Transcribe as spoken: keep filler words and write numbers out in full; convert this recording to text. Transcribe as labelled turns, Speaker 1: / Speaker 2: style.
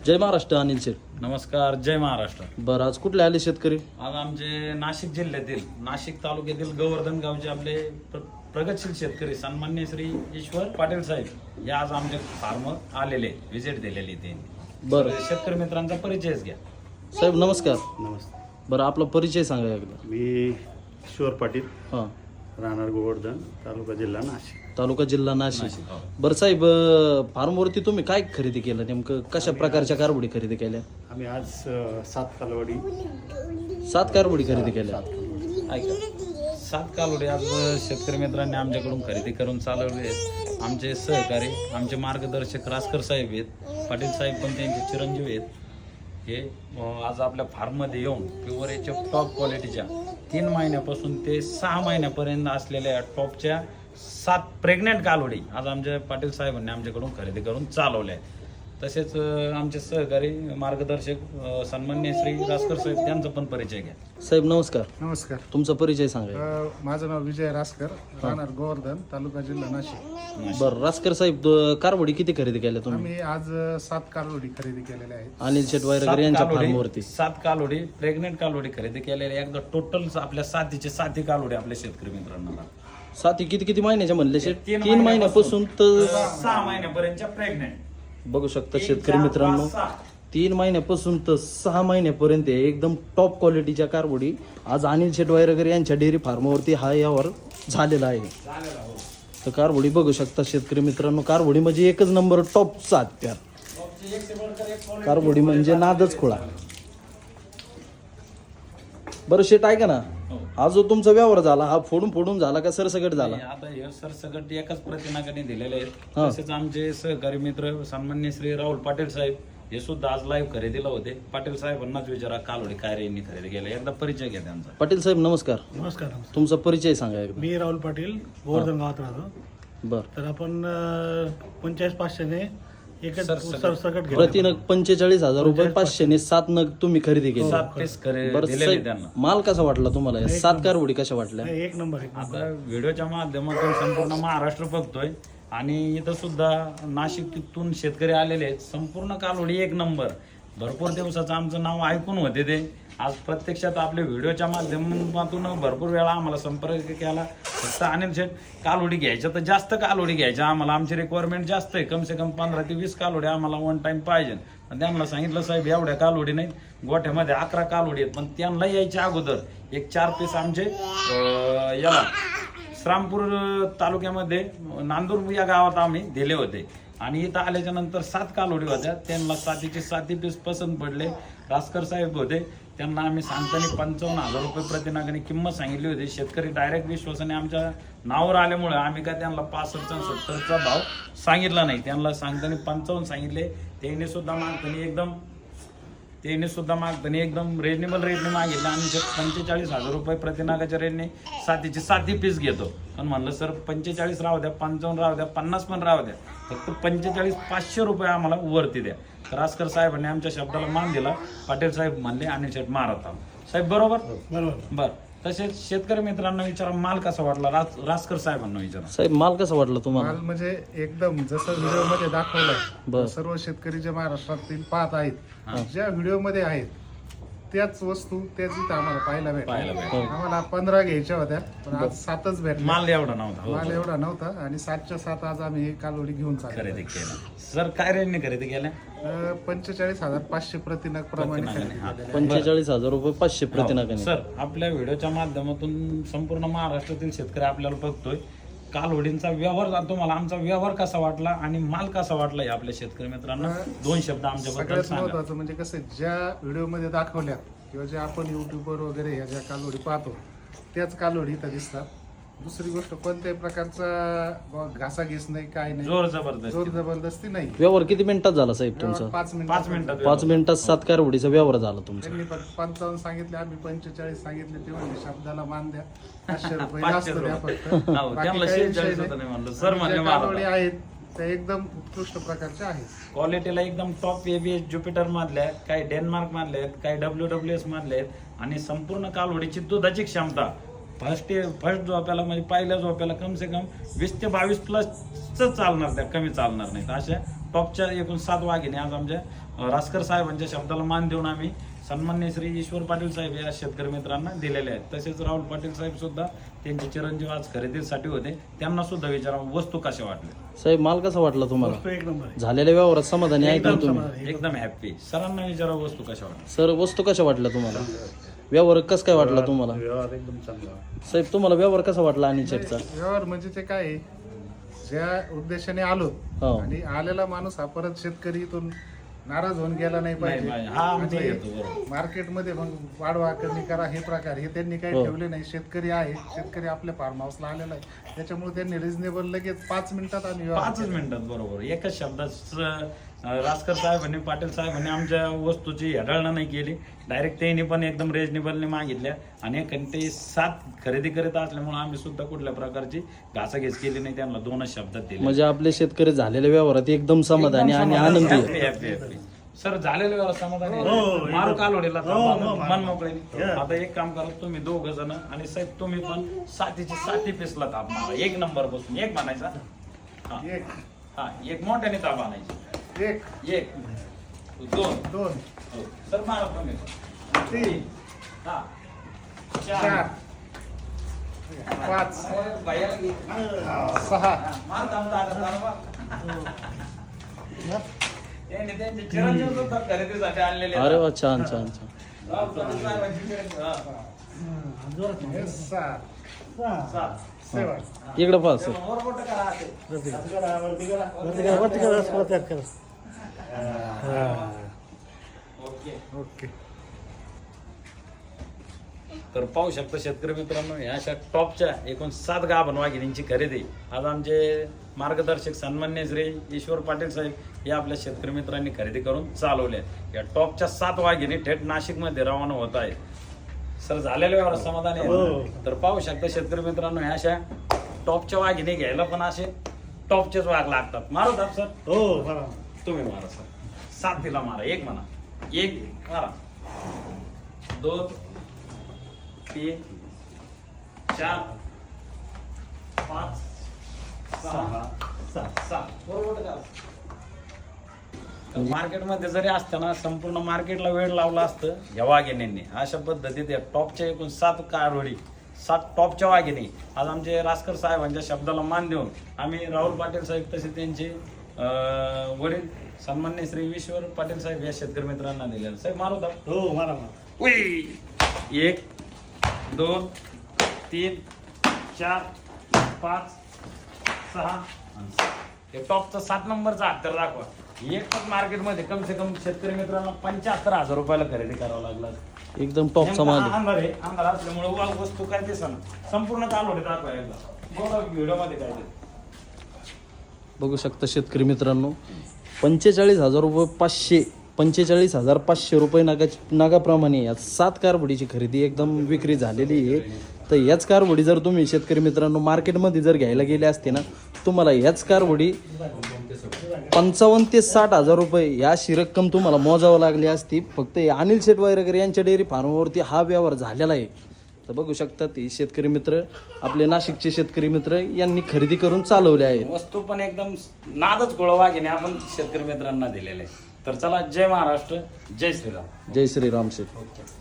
Speaker 1: जय महाराष्ट्र. अनिल शेठ,
Speaker 2: नमस्कार. जय महाराष्ट्र.
Speaker 1: बरं, आज कुठले आले शेतकरी?
Speaker 2: आज आमचे नाशिक जिल्ह्यातील नाशिक तालुक्यातील गोवर्धन गावचे आपले प्र- प्रगतशील शेतकरी सन्मान्य श्री ईश्वर पाटील साहेब हे आज आमचे फार्म आलेले व्हिजिट दिलेली ते.
Speaker 1: बरं
Speaker 2: शेतकरी मित्रांचा परिचयच घ्या.
Speaker 1: साहेब, नमस्कार.
Speaker 3: नमस्ते.
Speaker 1: बरं, आपला परिचय सांगा एकदा.
Speaker 3: मी ईश्वर पाटील,
Speaker 1: हां,
Speaker 3: राहणार गोवर्धन, तालुका जिल्हा नाशिक.
Speaker 1: तालुका जिल्हा नाशिक.
Speaker 2: नाशिक, हो.
Speaker 1: बरं साहेब, फार्मवरती तुम्ही काय खरेदी केलं? नेमकं कशा प्रकारच्या कारवडी खरेदी केल्या?
Speaker 3: आम्ही आज अ, सात कालवडी
Speaker 1: सात कारवडी खरेदी केल्या.
Speaker 2: ऐका, सात कालोडे आज शेतकरी मित्रांनी आमच्याकडून खरेदी करून चालवले आहेत. आमचे सहकारी, आमचे मार्गदर्शक रासकर साहेब आहेत, पाटील साहेब पण त्यांचे चिरंजीव आहेत. हे अं, आज आपल्या फार्ममध्ये येऊन प्युअर याच्या टॉप क्वालिटीच्या तीन महिन्यापासून ते सहा महिन्यापर्यंत असलेल्या टॉपच्या सात प्रेग्नेंट कालोडी आज आमच्या पाटील साहेबांनी आमच्याकडून खरेदी करून चालवल्या आहेत. तसेच अं, आमचे सहकारी मार्गदर्शक अं, सन्मान्य श्री रासकर साहेब त्यांचा पण परिचय घ्या.
Speaker 1: साहेब नमस्कार,
Speaker 4: नमस्कार.
Speaker 1: तुमचा परिचय सांगा.
Speaker 4: अ, माझं नाव विजय रासकर, राहणार गोवर्धन, तालुका जिल्हा नाशिक.
Speaker 1: बरं रासकर साहेब, द- कारवडी किती खरेदी केल्या तुम्ही?
Speaker 4: आम्ही आज अ, सात कालवडी खरेदी केलेल्या आहेत.
Speaker 1: अनिल शेठ
Speaker 2: सात
Speaker 1: वगैरे यांच्या
Speaker 2: कालोडी-
Speaker 1: फार्मवरती
Speaker 2: सात कालोडी प्रेग्नेंट कालोडी खरेदी केलेल्या एकदा टोटल आपल्या सातीचे साती कालोडी आपल्या शेतकरी मित्रांना
Speaker 1: साती किती किती महिन्याच्या म्हणले शेठ?
Speaker 2: तीन
Speaker 1: तीन महिन्यापासून तर
Speaker 2: सहा महिन्यापर्यंतच्या प्रेग्नेंट
Speaker 1: बघू शकता शेतकरी मित्रांनो, तीन महिन्यापासून तर सहा महिन्यापर्यंत आहे. एकदम टॉप क्वालिटीच्या कारवडी आज अनिल शेठ वगैरे यांच्या डेअरी फार्मवरती हा यावर झालेला आहे. तर कारवडी बघू शकता शेतकरी मित्रांनो, कारवडी म्हणजे एकच नंबर टॉप सात त्या कारवडी म्हणजे नादच खोळा. बरं शेठ ऐका ना, हा जो तुमचा व्यवहार झाला हा फोडून फोडून झाला का सरसकट झाला?
Speaker 2: आता हे सरसकट एकाच प्रतिनागाने दिलेले आहेत.
Speaker 1: हा.
Speaker 2: तसेच आमचे सहकारी मित्र सन्मान्य श्री राहुल पाटील साहेब हे सुद्धा आज लाईव्ह खरेदीला होते. पाटील साहेबांनाच विचारा कालोडी काय रे यांनी खरेदी केला, एकदा परिचय घ्या त्यांचा.
Speaker 1: पाटील साहेब नमस्कार,
Speaker 5: नमस्कार.
Speaker 1: तुमचा परिचय सांगा एकदा.
Speaker 5: मी राहुल पाटील, गोवर्धन गावात राहतो.
Speaker 1: बरं,
Speaker 5: तर आपण पंचेचाळीस पाचशेने एकच
Speaker 2: सरसकट.
Speaker 5: सरसकट घेतलं.
Speaker 1: प्रति नग पंचेचाळीस हजार रुपये, पाचशेने सात नग तुम्ही खरेदी केली.
Speaker 2: सात पीस खरे
Speaker 1: बरं
Speaker 2: दिलेले
Speaker 1: साहेब,
Speaker 2: त्यांना.
Speaker 1: माल कसा वाटला तुम्हाला? या सात कारवडी कशा वाटल्या?
Speaker 5: नाही, एक नंबर एक नंबर.
Speaker 2: आता व्हिडिओच्या माध्यमातून संपूर्ण महाराष्ट्र बघतोय आणि इथं सुद्धा नाशिकतून शेतकरी आलेले आहेत. संपूर्ण कालोडी एक नंबर. भरपूर दिवसाचं आमचं नाव ऐकून होते ते. आज प्रत्यक्षात आपल्या व्हिडिओच्या माध्यमातून भरपूर वेळा आम्हाला संपर्क केला. फक्त अनिल शेठ कालोडी घ्यायच्या तर जास्त कालोडी घ्यायच्या आम्हाला, आमची रिक्वायरमेंट जास्त आहे. कमसे कम पंधरा ते वीस कालोडी आम्हाला वन टाइम पाहिजे. पण त्यांना सांगितलं साहेब एवढ्या कालोडी नाहीत, गोठ्यामध्ये अकरा कालोडी आहेत. पण त्यांना यायच्या अगोदर एक चार पीस आमचे अं, याला श्रामपूर तालुक्यामध्ये नांदूर या गावात आम्ही दिले होते. आणि इथं आल्याच्या नंतर सात कालोडी होत्या. त्यांना सातीचे साती पीस पसंत पडले. रासकर साहेब होते, त्यांना आम्ही सांगताना पंचावन्न हजार रुपये प्रतिनागाने किंमत सांगितली होती. शेतकरी डायरेक्ट विश्वासाने आमच्या नावावर आल्यामुळे आम्ही काय त्यांना पासष्टचा सत्तरचा भाव सांगितला नाही. त्यांना सांगताना पंचावन्न सांगितले. त्यांनी सुद्धा मागताना एकदम त्यांनी सुद्धा मागताना एकदम रिजनेबल रेटने मागितले. आणि पंचेचाळीस हजार रुपये प्रतिनागाच्या रेटने सातीचे साती पीस घेतो. पण म्हणलं सर पंचेचाळीस राहू द्या, पंचावन्न राहू द्या, पन्नास पण राहू द्या, फक्त पंचेचाळीस पाचशे रुपये आम्हाला वरती द्या. तर रासकर साहेबांनी आमच्या शब्दाला मान दिला. पाटील साहेब म्हणले आणि शेठ मारत आहो साहेब, बरोबर
Speaker 5: बरोबर.
Speaker 2: बर. तसेच शेतकरी मित्रांना विचारा माल कसा वाटला. रास रासकर साहेबांना विचारा.
Speaker 1: साहेब माल कसा वाटला तुम्हाला?
Speaker 4: माल म्हणजे एकदम जसं व्हिडिओमध्ये
Speaker 1: बर.
Speaker 4: दाखवलंय, सर्व शेतकरी जे महाराष्ट्रातील पाहत आहेत, ज्या व्हिडिओमध्ये आहेत त्याच वस्तू त्याच इथं आम्हाला पाहायला
Speaker 2: पाहायला
Speaker 4: भेटल्या.
Speaker 2: भेटल्या.
Speaker 4: आम्हाला पंधरा घ्यायच्या होत्या, पण आज सातच भेटल्या.
Speaker 2: माल एवढा नव्हता. हो,
Speaker 4: माल
Speaker 2: हो.
Speaker 4: एवढा नव्हता आणि सातच्या सात आज आम्ही ही कालवडी घेऊन चाललो.
Speaker 2: खरेदी केला. सर काय रेटने खरेदी केल्या?
Speaker 4: अ, पंचेचाळीस हजार पाचशे प्रतिनग प्रमाणे
Speaker 2: प्रतिनागाने,
Speaker 4: खरेदी
Speaker 2: हा.
Speaker 4: केलेल्या.
Speaker 1: पंचेचाळीस हजार रुपये पाचशे प्रतिनागाने.
Speaker 2: सर आपल्या व्हिडिओच्या माध्यमातून संपूर्ण महाराष्ट्रातील शेतकरी आपल्याला बघतोय. कालवडींचा व्यवहार तुम्हाला आमचा व्यवहार कसा वाटला आणि माल कसा वाटला हे आपल्या शेतकरी मित्रांना दोन शब्द आमच्याबद्दल
Speaker 4: सगळ्यात
Speaker 2: सांगा.
Speaker 4: महत्वाचं म्हणजे कसं आहे, ज्या व्हिडिओमध्ये दाखवल्या किंवा जे आपण युट्यूबवर वगैरे ह्या ज्या कालोडी पाहतो त्याच कालोडी इथं दिसतात. दुसरी गोष्ट कोणत्याही प्रकारचा घासाघीस नाही, काय नाही,
Speaker 2: जोर जबरदस्त.
Speaker 4: जोर जबरदस्ती नाही.
Speaker 1: व्यवहार किती मिनिटात झाला साहेब तुमचा?
Speaker 4: पाच मिनिट
Speaker 2: पाच मिनिटात
Speaker 1: पाच मिनिटात सात कारवडीचा व्यवहार झाला तुमचा.
Speaker 4: त्यांनी फक्त पंचावन्न सांगितले, आम्ही पंचेचाळीस सांगितले. ते म्हणजे शब्दाला मान द्या, पाचशे रुपये
Speaker 2: पाचशे
Speaker 4: जास्त द्या
Speaker 2: रुपये.
Speaker 4: फक्त.
Speaker 2: हो,
Speaker 4: बाकी
Speaker 2: त्यांना
Speaker 4: काही
Speaker 2: शेहेचाळीस
Speaker 4: विषय
Speaker 2: होतं नाही म्हणलं.
Speaker 4: नाही.
Speaker 2: सर
Speaker 4: आणि
Speaker 2: म्हणले
Speaker 4: ज्या
Speaker 2: मारा.
Speaker 4: कालोडी आहेत त्या एकदम उत्कृष्ट प्रकारच्या आहेत.
Speaker 2: क्वालिटीला एकदम टॉप एबीएस ज्युपिटर मधल्या आहेत, काही डेन्मार्क मधल्या आहेत, काही डब्ल्यू डब्ल्यू एस मधल्या आहेत. आणि संपूर्ण कालवडीची दुधाची क्षमता फर्स्ट फर्स्ट झोप्याला म्हणजे पहिल्या झोप्याला कम से कम वीस ते बावीस प्लस चालणार, त्या कमी चालणार नाहीत. अशा टॉपच्या एकूण सात वाघिणी आज आमच्या अं, रासकर साहेबांच्या शब्दाला मान देऊन आम्ही सन्मान्य श्री ईश्वर पाटील साहेब या शेतकरी मित्रांना दिलेले आहेत. तसेच राहुल पाटील साहेब सुद्धा त्यांचे चिरंजीव आज खरेदीसाठी होते, त्यांना सुद्धा विचारा वस्तू कशा वाटल्या.
Speaker 1: साहेब माल कसा वाटला तुम्हाला?
Speaker 5: वस्तू एक नंबर आहे.
Speaker 1: झालेल्या व्यवहारात समाधानी आहे का
Speaker 5: एकदम
Speaker 1: तुम्ही?
Speaker 5: समाधानी.
Speaker 2: एकदम हॅप्पी. सरांना विचारा वस्तू कशा वाटल्या.
Speaker 1: सर वस्तू कशा वाटल्या तुम्हाला? व्यवहार कसं काय वाटला तुम्हाला?
Speaker 3: व्यवहार एकदम चांगला.
Speaker 1: साहेब तुम्हाला व्यवहार कसा वाटला अनिल शेठचा?
Speaker 4: व्यवहार म्हणजे ते काय आहे, ज्या उद्देशाने आलो
Speaker 1: हो.
Speaker 4: आणि आलेला माणूस हा परत शेतकरी इथून नाराज होऊन गेला नाही
Speaker 2: नाही पाहिजे.
Speaker 4: पाहिजे.
Speaker 2: हा आमचा
Speaker 4: आणि
Speaker 2: हेतू बरोबर.
Speaker 4: मार्केटमध्ये मग वाढवा कमी करा हे प्रकार हे त्यांनी काही
Speaker 1: हो.
Speaker 4: ठेवले नाही. शेतकरी आहे, शेतकरी आपल्या फार्म हाऊसला आलेला आहे, त्याच्यामुळे त्यांनी रिझनेबल लगेच पाच मिनिटात आणि व्यवहार
Speaker 2: पाचच
Speaker 4: केला.
Speaker 2: मिनिटात बरोबर एकच शब्दात स- रासकर साहेबांनी पाटील साहेबांनी आमच्या वस्तूची हेडाळणं नाही केली. डायरेक्ट त्यांनी पण एकदम रिजनेबलने मागितल्या आणि ते सात खरेदी करत असल्यामुळे आम्ही सुद्धा कुठल्या प्रकारची घासाघीस केली नाही, त्यांना दोनच शब्दात दिले.
Speaker 1: म्हणजे आपले शेतकरी झालेल्या व्यवहारात एकदम समाधानी आणि आनंदी आहे.
Speaker 2: Happy happy happy. सर झालेलं व्यवहार समाधानी आहे?
Speaker 5: हो,
Speaker 2: मारू कालोडीला
Speaker 5: हो, हो,
Speaker 2: मन मोकळे.
Speaker 5: Yeah.
Speaker 2: आता एक काम करा तुम्ही दोघ जण आणि साहेब तुम्ही पण सातीची साती पिसला ताप मारा एक नंबर बसून. एक म्हणायचा हा
Speaker 4: एक
Speaker 2: हा एक मोठ्याने ताप आणायची.
Speaker 4: एक
Speaker 2: एक दोन
Speaker 4: दोन
Speaker 2: हो. सर मारा तुम्ही
Speaker 4: तीन
Speaker 2: हा
Speaker 4: चार
Speaker 2: चार
Speaker 4: पाच
Speaker 2: बायाला घे.
Speaker 4: सहा
Speaker 2: मार दाम दादा दादा. त्यांनी त्यांचे चिरंजीव सुद्धा खरेदीसाठी आणलेले
Speaker 1: अरे वा छान छान छान.
Speaker 2: हा.
Speaker 4: हे सात
Speaker 2: सात.
Speaker 4: सेवन
Speaker 1: इकडे पहा सर.
Speaker 2: वर बोटं करा हाते.
Speaker 5: वरती करा वरती करा वरती करा. हा.
Speaker 2: ओके.
Speaker 4: ओके.
Speaker 2: तर पाहू शकता शेतकरी मित्रांनो, या अशा टॉपच्या एकूण सात गाभण वाघिणींची खरेदी आज आमचे मार्गदर्शक सन्मान्य श्री ईश्वर पाटील साहेब या आपल्या शेतकरी मित्रांनी खरेदी करून चालवल्या. या टॉपच्या सात वाघिणी थेट नाशिकमध्ये रवाना होत आहेत. सर झालेल्या व्यवहार समाधानी आहे
Speaker 5: हो.
Speaker 2: ना? तर पाहू शकता शेतकरी मित्रांनो, ह्या अशा टॉपच्या वाघिणी घ्यायला पण असे टॉपचेच वाघ लागतात. मारू दाब सर.
Speaker 5: हो बरं.
Speaker 2: तुम्ही मारा सर. सात तिला मारा. एक म्हणा. एक मारा. दोन तीन चार पाच सहा सात सात बरोबर का? मार्केटमध्ये जरी असताना संपूर्ण मार्केटला वेळ लावला असतं या वाघिणींनी. अशा पद्धतीत या टॉपच्या एकूण सात कारवडी सात टॉपच्या वाघिणी आज आमचे रासकर साहेबांच्या शब्दाला मान देऊन आम्ही राहुल पाटील साहेब तसे त्यांचे अं, वडील सन्मान्य श्री ईश्वर पाटील साहेब या शेतकरी मित्रांना दिलेलं. साहेब मारू दा.
Speaker 5: हो मारा मारा.
Speaker 2: उई. एक दोन तीन चार पाच सहा आणि सात. हे टॉपचा सात नंबरचा हत्यार दाखवा. एकच मार्केटमध्ये कम से कम शेतकरी मित्रांना पंच्याहत्तर हजार रुपयाला खरेदी करावं लागला.
Speaker 1: एकदम टॉपचा माल आहे.
Speaker 2: अंधार आहे. अंधार असल्यामुळे वा वस्तू काय ते सण संपूर्ण कालोडी दाखवा एकदा. बघा व्हिडिओमध्ये काय ते.
Speaker 1: बघू शकता शेतकरी मित्रांनो, पंचेचाळीस हजार रुपये पाचशे पंचेचाळीस हजार पाचशे रुपये नागा नागाप्रमाणे या सात कारवडीची खरेदी एकदम विक्री झालेली आहे. तर याच कारवडी जर तुम्ही शेतकरी मित्रांनो मार्केटमध्ये जर घ्यायला गेले असते ना, तुम्हाला याच कारवडी पंचावन्न ते साठ हजार रुपये या अशी रक्कम तुम्हाला मोजावं लागली असती. फक्त हे अनिल शेठ वगैरे यांच्या डेअरी फार्मवरती हा व्यवहार झालेला आहे. तर बघू शकता ते शेतकरी मित्र आपले नाशिकचे शेतकरी मित्र यांनी खरेदी करून चालवले आहे.
Speaker 2: वस्तू पण एकदम नादच गोळवागिने आपण शेतकरी मित्रांना दिलेले. तर चला, जय महाराष्ट्र, जय श्रीराम.
Speaker 1: जय श्रीराम शेठ.